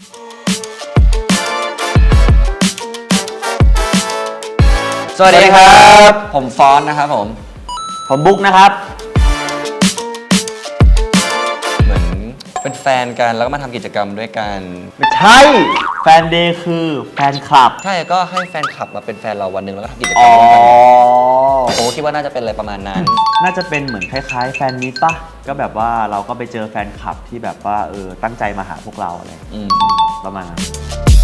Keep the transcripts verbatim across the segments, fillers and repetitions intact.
สวัสดีครับผมฟอนนะครับผมผมบุ๊กนะครับเหมือนเป็นแฟนกันแล้วก็มาทำกิจกรรมด้วยกันไม่ใช่แฟนเดย์คือแฟนคลับใช่ก็ให้แฟนคลับมาเป็นแฟนเราวันหนึ่งแล้วก็ทำกิจกรรมด้วยกันผมคิดว่าน่าจะเป็นอะไรประมาณนั้นน่าจะเป็นเหมือนคล้ายๆแฟนมิตรป่ะก็แบบว่าเราก็ไปเจอแฟนคลับที่แบบว่าเออตั้งใจมาหาพวกเราอะไรประมาณนั้น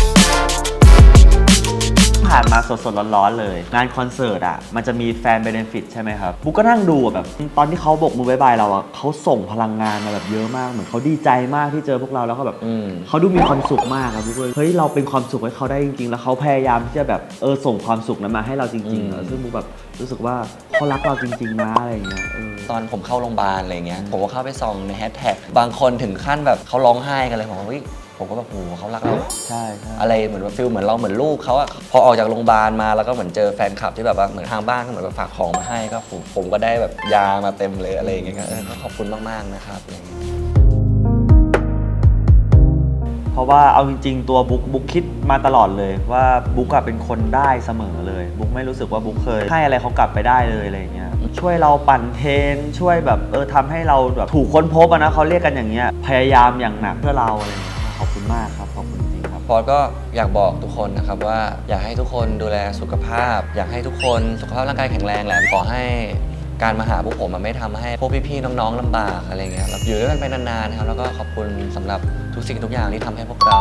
ผ่านมาสดๆร้อนๆเลยงานคอนเสิร์ตอ่ะมันจะมีแฟนเบเนฟิตใช่ไหมครับบุ๊กก็นั่งดูแบบตอนที่เขาโบกมือบายบายเราอ่ะเขาส่งพลังงานมาแบบเยอะมากเหมือนเขาดีใจมากที่เจอพวกเราแล้วก็แบบเขาดูมีความสุขมากครับบุ๊กเลยเฮ้ยเราเป็นความสุขให้เขาได้จริงๆแล้วเขาพยายามที่จะแบบเออส่งความสุขนั้นมาให้เราจริงๆซึ่งบุ๊กแบบรู้สึกว่าเขารักเราจริงๆนะอะไรเงี้ยตอนผมเข้าโรงพยาบาลอะไรเงี้ยผมก็เข้าไปส่องในแฮชแท็กบางคนถึงขั้นแบบเขาร้องไห้กันเลยผมว่าผมก็แบบโอ้เขารักเราใช่อะไรเหมือนว่าฟิลเหมือนเราเหมือนลูกเขาอะพอออกจากโรงพยาบาลมาแล้วก็เหมือนเจอแฟนคลับที่แบบว่าเหมือนทางบ้านก็เหมือนแบบฝากของมาให้ก็ผมผมก็ได้แบบยามาเต็มเลยอะไรอย่างเงี้ยก็ขอบคุณมากๆนะครับอะไรอย่างเงี้ยเพราะว่าเอาจริงๆตัวบุ๊กบุ๊กคิดมาตลอดเลยว่าบุ๊กเป็นคนได้เสมอเลยบุ๊กไม่รู้สึกว่าบุ๊กเคยให้อะไรเขากลับไปได้เลยอะไรอย่างเงี้ยช่วยเราปั่นเทรนช่วยแบบเออทำให้เราแบบถูกค้นพบนะเขาเรียกกันอย่างเงี้ยพยายามอย่างหนักเพื่อเราอะไรอย่างเงี้ยขอบคุณมากครับขอบคุณจริงครับพอก็อยากบอกทุกคนนะครับว่าอยากให้ทุกคนดูแลสุขภาพอยากให้ทุกคนสุขภาพร่างกายแข็งแรงแหละขอให้การมาหาพวกผมมันไม่ทำให้พวกพี่ๆน้องๆลำบากอะไรเงี้ยอยู่ด้วยกันไปนานๆนะครับแล้วก็ขอบคุณสำหรับทุกสิ่งทุกอย่างที่ทำให้พวกเรา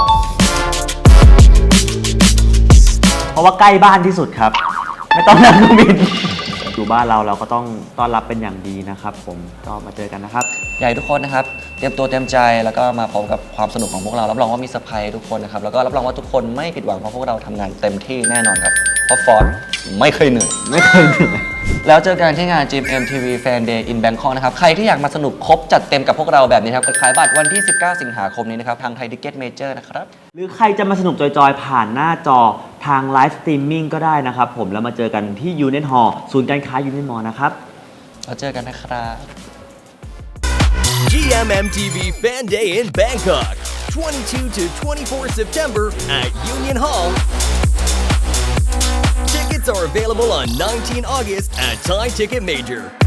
เพราะว่าใกล้บ้านที่สุดครับไม่ต้องนั่งเครื่องบินอยู่บ้านเราเราก็ต้องต้อนรับเป็นอย่างดีนะครับผมก็มาเจอกันนะครับอยากให้ทุกคนนะครับเตรียมตัวเตรียมใจแล้วก็มาพร้อมกับความสนุกของพวกเรารับรองว่ามีเซอร์ไพรส์ทุกคนนะครับแล้วก็รับรองว่าทุกคนไม่ผิดหวังเพราะพวกเราทำงานเต็มที่แน่นอนครับเพราะฟอนไม่เคยเหนื่อยไม่เคยเหนื่อยแล้วเจอกันที่งาน จี เอ็ม ที วี Fan Day in Bangkok นะครับใครที่อยากมาสนุกครบจัดเต็มกับพวกเราแบบนี้ครับขายบัตรวันที่สิบเก้าสิงหาคมนี้นะครับทางไทยทิกเก็ตเมเจอร์นะครับหรือใครจะมาสนุกจอยๆผ่านหน้าจอทางไลฟ์สตรีมมิ่งก็ได้นะครับผมแล้วมาเจอกันที่ Union Hall ศูนย์การค้า Union Mall นะครับเราเจอกันนะครับจี เอ็ม เอ็ม ที วี Fan Day in Bangkok twenty-second to twenty-fourth September at Union Hall. Tickets are available on nineteenth August at Thai Ticket Major.